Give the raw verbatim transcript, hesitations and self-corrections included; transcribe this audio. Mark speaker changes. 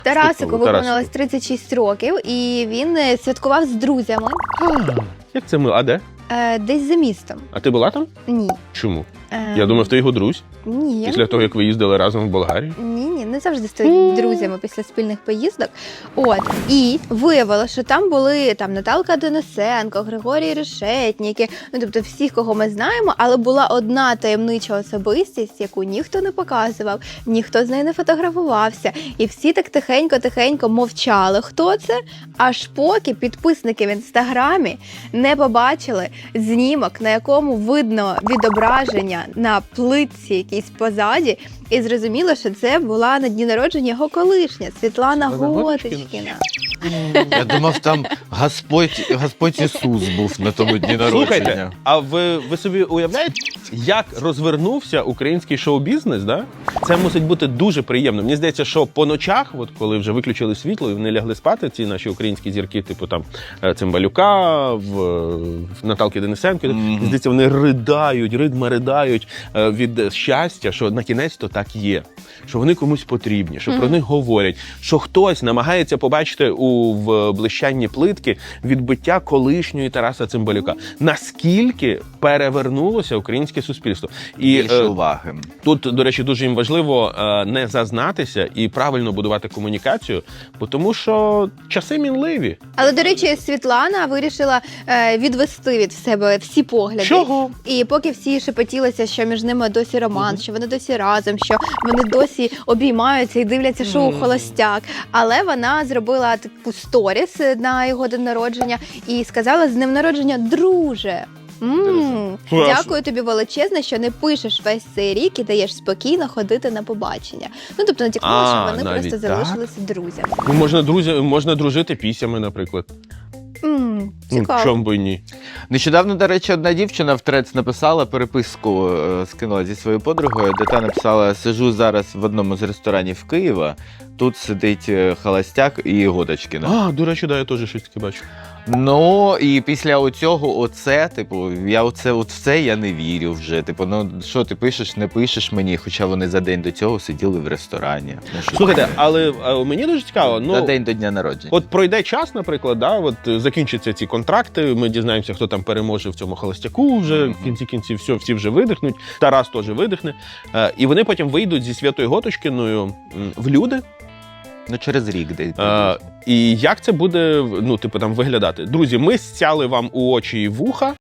Speaker 1: Тарасику виповнилось тридцять шість років, і він е, святкував з друзями
Speaker 2: А, як це мило? А де?
Speaker 1: е, десь за містом.
Speaker 2: А ти була там?
Speaker 1: Ні.
Speaker 2: Чому?
Speaker 1: Е,
Speaker 2: Я думав, ти його друзь.
Speaker 1: Ні.
Speaker 2: Після того, як ви їздили разом в Болгарію.
Speaker 1: Ні, ні, не завжди стають друзями після спільних поїздок. От, і виявилося, що там були там Наталка Денисенко, Григорій Решетніки, ну тобто всі, кого ми знаємо, але була одна таємнича особистість, яку ніхто не показував, ніхто з нею не фотографувався. І всі так тихенько-тихенько мовчали, хто це, аж поки підписники в інстаграмі не побачили знімок, на якому видно відображення на плитці якійсь позаді, і зрозуміло, що це була на дні народження його колишня Світлана Готочкіна.
Speaker 3: Я думав, там Господь, Господь Ісус був на тому дні народження.
Speaker 2: Слухайте, а ви, ви собі уявляєте, як розвернувся український шоу-бізнес, да? Це мусить бути дуже приємно. Мені здається, що по ночах, от коли вже виключили світло і вони лягли спати, ці наші українські зірки, типу там Цимбалюка, в, в Наталки Денисенко,
Speaker 3: Mm-hmm.
Speaker 2: мені здається, вони ридають, ридма ридають е, від щастя, що на кінець-то так є. Що вони комусь потрібні, що mm-hmm. про них говорять, що хтось намагається побачити у в блищанні плитки відбиття колишньої Тараса Цимбалюка. Наскільки перевернулося українське суспільство. І
Speaker 3: більше
Speaker 2: е,
Speaker 3: уваги.
Speaker 2: Тут, до речі, дуже їм важливо е, не зазнатися і правильно будувати комунікацію, бо тому що часи мінливі.
Speaker 1: Але, до речі, Світлана вирішила е, відвести від себе всі погляди.
Speaker 2: Чого?
Speaker 1: І поки всі шепотілися, що між ними досі роман, що вони досі разом, що вони досі обіймаються і дивляться шоу «Холостяк». Але вона зробила таку сторіс на його день народження і сказала: «З днем народження, друже!» М, Дякую тобі величезне, що не пишеш весь цей рік і даєш спокійно ходити на побачення. Ну, тобто натякнула,
Speaker 2: А,
Speaker 1: що вони
Speaker 2: навіть
Speaker 1: просто
Speaker 2: так?
Speaker 1: залишилися друзями.
Speaker 2: Ну, можна, друзі, можна дружити пісями, наприклад.
Speaker 1: М,
Speaker 2: Ну,
Speaker 1: Цікаво.
Speaker 2: чому б і ні?
Speaker 3: Нещодавно, до речі, одна дівчина в трец написала переписку, е, скинула зі своєю подругою, де та написала: «Сижу зараз в одному з ресторанів Києва, тут сидить е, Холостяк і Готочкіна».
Speaker 2: А, до речі, да, я теж щось таке бачу.
Speaker 3: Ну, і після оцього, оце, типу, я оце, от в це я не вірю вже. Типу, ну, що ти пишеш, не пишеш мені, хоча вони за день до цього сиділи в ресторані. Ну, що
Speaker 2: Слухайте,
Speaker 3: таке?
Speaker 2: але а, мені дуже цікаво, ну,
Speaker 3: За день до дня народження.
Speaker 2: от пройде час, наприклад, да, от е, закінчаться ці контракти, ми дізнаємося, хто там переможе в цьому холостяку вже,
Speaker 3: Мгм.
Speaker 2: в кінці кінців, все, всі вже видихнуть, Тарас теж видихне, е, і вони потім вийдуть зі Святою Готочкіною м, в люди.
Speaker 3: Ну, через рік десь.
Speaker 2: Е, і як це буде, ну, типу, там виглядати? Друзі, ми стяли вам у очі і вуха.